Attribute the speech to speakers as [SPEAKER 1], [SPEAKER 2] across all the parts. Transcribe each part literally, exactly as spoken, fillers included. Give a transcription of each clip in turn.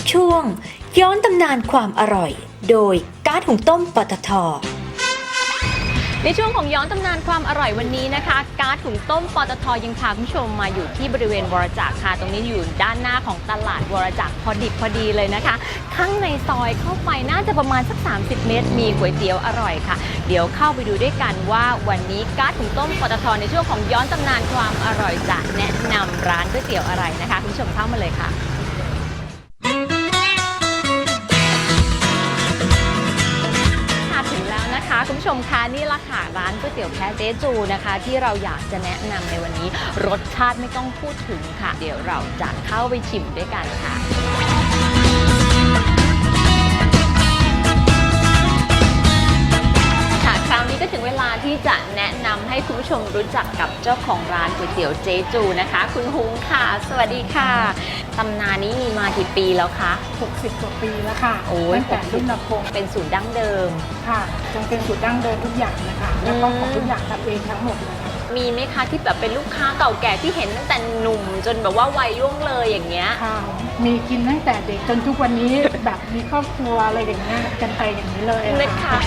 [SPEAKER 1] ช่วงย้อนตำนานความอร่อยโดยก๊าซหุงต้มปตท.
[SPEAKER 2] ในช่วงของย้อนตำนานความอร่อยวันนี้นะคะก๊าซหุงต้มปตท.ยังพาคุณผู้ชมมาอยู่ที่บริเวณวรจักรค่ะตรงนี้อยู่ด้านหน้าของตลาดวรจักรพอดิบพอดีเลยนะคะข้างในซอยเข้าไปน่าจะประมาณสักสามสิบเมตรมีก๋วยเตี๋ยวอร่อยค่ะเดี๋ยวเข้าไปดูด้วยกันว่าวันนี้ก๊าซหุงต้มปตท.ในช่วงของย้อนตำนานความอร่อยจะแนะนำร้านก๋วยเตี๋ยวอะไรนะคะคุณผู้ชมเข้ามาเลยค่ะคุณผู้ชมคะนี่ละค่ะร้านก๋วยเตี๋ยวแพะเจ๊จูนะคะที่เราอยากจะแนะนำในวันนี้รสชาติไม่ต้องพูดถึงค่ะเดี๋ยวเราจะเข้าไปชิมด้วยกันค่ะค่ะคราวนี้ก็ถึงเวลาที่จะแนะนำให้คุณผู้ชมรู้จักกับเจ้าของร้านก๋วยเตี๋ยวเจ๊จูนะคะคุณฮุ้งค่ะสวัสดีค่ะตำนานนี้มีมากี่ปีแล้วคะ
[SPEAKER 3] หกสิบกว่าปีแล้วค่ะตั้งแต่รุ่นนพงศ์
[SPEAKER 2] เป็นสูตรดั้งเดิม
[SPEAKER 3] ค่ะจนเป็นสูตรดั้งเดิมทุกอย่างนะคะแล้วก็ของทุกอย่างทำเองทั้งหมดเลย
[SPEAKER 2] มีไหมคะที่แบบเป็นลูกค้าเก่าแก่ที่เห็นตั้งแต่หนุ่มจนแบบว่าวัยล่วงเลยอย่างเงี้ย
[SPEAKER 3] ค่ะมีกินตั้งแต่เด็กจนทุกวันนี้แบบมีครอบครัวอะไรอย่างเงี้ยกันไปอย่างนี้เลย
[SPEAKER 2] นะคะ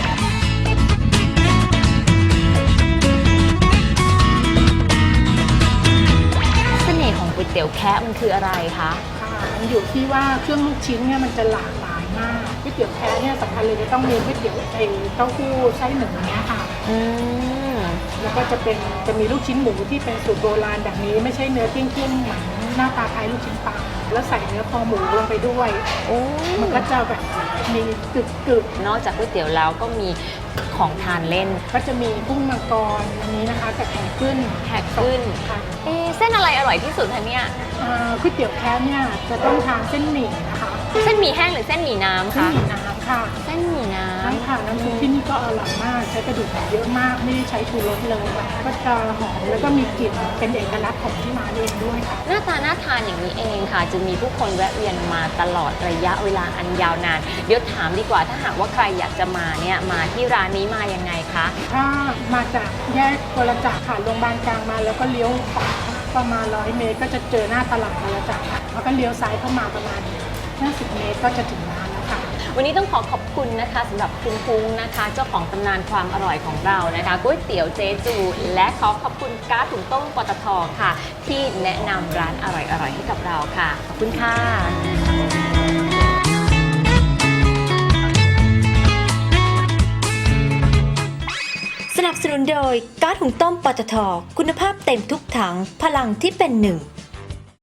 [SPEAKER 2] ของก๋วยเตี๋ยวแคะมันคืออะไรคะ
[SPEAKER 3] ค่ะมันอยู่ที่ว่าเครื่องลูกชิ้นเนี่ยมันจะหลากหลายมากก๋วยเตี๋ยวแคะเนี่ยสำคัญเลยจะต้องมีก๋วยเตี๋ยวไอ้เต้าหู้ไส้หมูเนี้ยค่ะอืมแล้วก็จะเป็นจะมีลูกชิ้นหมูที่เป็นสูตรโบราณแบบนี้ไม่ใช่เนื้อเกี้ยงๆเหมือนหน้าตาคล้ายลูกชิ้นปลาแล้วใส่เนื้อคอหมูลงไปด้วยโอ้มันก็จะแบบมีกึก
[SPEAKER 2] ๆนอกจากก๋วยเตี๋ยวแล้วก็มีของทานเล่น
[SPEAKER 3] ก็จะมีกุ้งมังกรอันนี้นะคะกับแขกขึ้น
[SPEAKER 2] แขกขึ้นค่ะเอ๊เส้นอะไรอร่อยที่สุดคะเนี่ย
[SPEAKER 3] ก๋วยเตี๋ยวแคะเนี่ยจะต้องทานเส้นหมี่นะคะ
[SPEAKER 2] เส้นหมี่แห้งหรือเส้นหมี่น้ำคะ
[SPEAKER 3] เส้นหมี่น้ำค่ะ
[SPEAKER 2] เส้นหมี่น้ำ
[SPEAKER 3] ใช่ค่ะน้ำซุปที่นี่ก็อร่อยมากใช้กระดูกหมูเยอะมากไม่ได้ใช้ชูรสเลยก็จะหอมแล้วก็มีกลิ่นเป็นเอกลักษณ์ของที่ร้านเองด้วยค่ะ
[SPEAKER 2] หน้าตาน่าทานอย่างนี้เองค่ะจะมีผู้คนแวะเวียนมาตลอดระยะเวลาอันยาวนานเดี๋ยวถามดีกว่าถ้าหากว่าใครอยากจะมาเนี่ยมาที่ร้านนี้มายังไงคะ
[SPEAKER 3] ถ้ามาจากแยกวรจักรค่ะโรงพยาบาลกลางมาแล้วก็เลี้ยวขวาประมาณร้อยเมตรก็จะเจอหน้าตลาดวรจักรค่ะแล้วก็เลี้ยวซ้ายเข้ามาประมาณห้าสิบเมตรก็จะถึงร้านแล้วค่ะ
[SPEAKER 2] วันนี้ต้องขอขอบคุณนะคะสำหรับคุณพุงนะคะเจ้าของตำนานความอร่อยของเรานะคะก๋วยเตี๋ยวเจ๊จูและขอขอบคุณก๊าซหุงต้มปตท.ค่ะที่แนะนำร้านอร่อยๆให้กับเราค่ะขอบคุณค่ะ
[SPEAKER 1] สนับสนุนโดยก๊าซหุงต้มปตท.คุณภาพเต็มทุกถังพลังที่เป็นหนึ่ง